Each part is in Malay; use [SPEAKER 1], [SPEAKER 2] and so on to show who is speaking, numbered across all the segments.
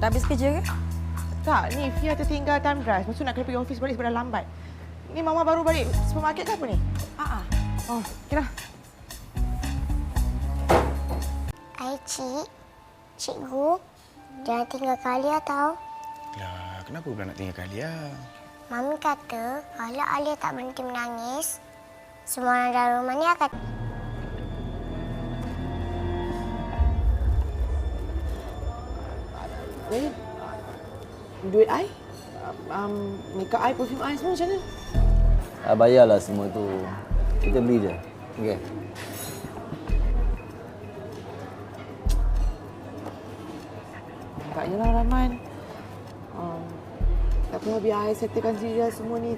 [SPEAKER 1] Dah habis kerja ke?
[SPEAKER 2] Tak, ni Fia tertinggal time drive. Lepas tu nak kena pergi office balik sebab dah lambat. Ni Mama baru balik supermarket ke apa ni? Oh, okey dah.
[SPEAKER 3] Hai, Cik. Cikgu, jangan tinggalkan Alia tau.
[SPEAKER 4] Lah, kenapa pula nak tinggalkan Alia?
[SPEAKER 3] Mami kata kalau Alia tak berhenti menangis, semua orang dalam rumah ni akan...
[SPEAKER 2] Jadi, duit I? Makeup I, perfume I semua macam mana?
[SPEAKER 5] Bayarlah semua tu. Kita beli je. Okey.
[SPEAKER 2] Tak yalah, Rahman. Tak apa, biar I settlekan sendiri dah semua ni.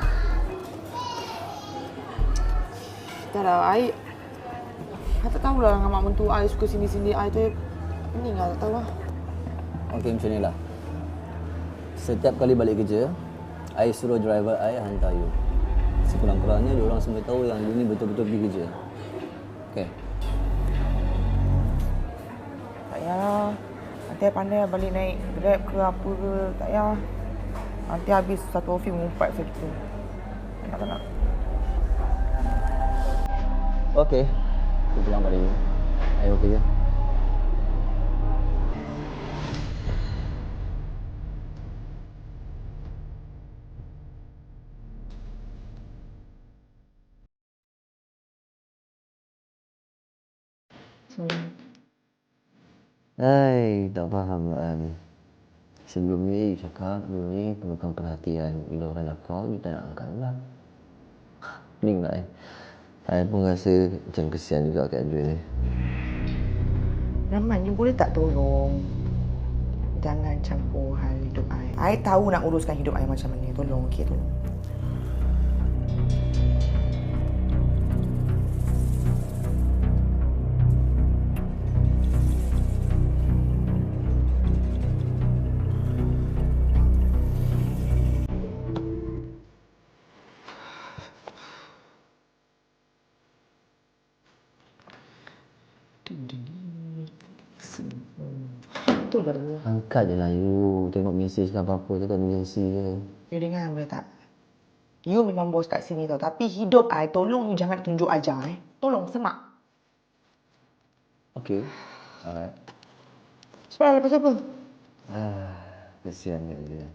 [SPEAKER 2] Tak lah, I tak tahulah dengan mak mentua I suka sini-sini I tu. Pening lah, tak tahu lah.
[SPEAKER 5] Okey, macam ni lah. Setiap kali balik kerja, I suruh driver I hantar you. Sekurang-kurangnya, diorang semua tahu yang you ni betul-betul pergi kerja. Okey.
[SPEAKER 2] Tak payah. Nanti I pandai balik naik Grab ke apa ke. Tak payah. Nanti habis satu office mengumpat saya kita. Tak nak.
[SPEAKER 5] Okey. Aku pulang balik. I okey je. Hai, tak faham lah. Sebelum ni cakap, sebelum ni perlukan perhatian. Bila orang nak call, you tak nak angkat pula. Pening lah. I pun rasa macam kesian juga kat Adrian ni.
[SPEAKER 2] Rahman, you boleh tak tolong? Jangan campur hal hidup I. I tahu nak uruskan hidup I macam mana. Tolong, okey? Tolong. Betul ke tu?
[SPEAKER 5] Angkat je lah you. Tengok mesej ke apa-apa tu kan emergency je.
[SPEAKER 2] You dengar boleh tak? You memang bos kat sini tau. Tapi hidup I, tolong you jangan tunjuk ajar. Tolong, semak.
[SPEAKER 5] Okey. Alright.
[SPEAKER 2] Sebab lepas apa?
[SPEAKER 5] Kesian dia.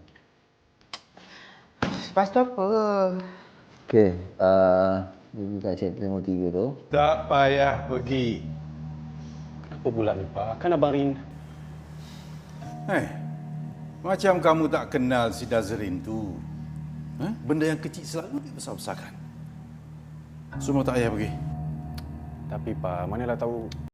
[SPEAKER 2] Lepas tu apa?
[SPEAKER 5] Okey. You kat chapter nombor 3 tu.
[SPEAKER 6] Tak payah pergi. Kenapa pula lupa? Kan Abang Rin.
[SPEAKER 4] Macam kamu tak kenal si Dazrin tu. Benda yang kecil selalu dibesar-besarkan. Semua tak payah pergi.
[SPEAKER 6] Tapi Pak, manalah tahu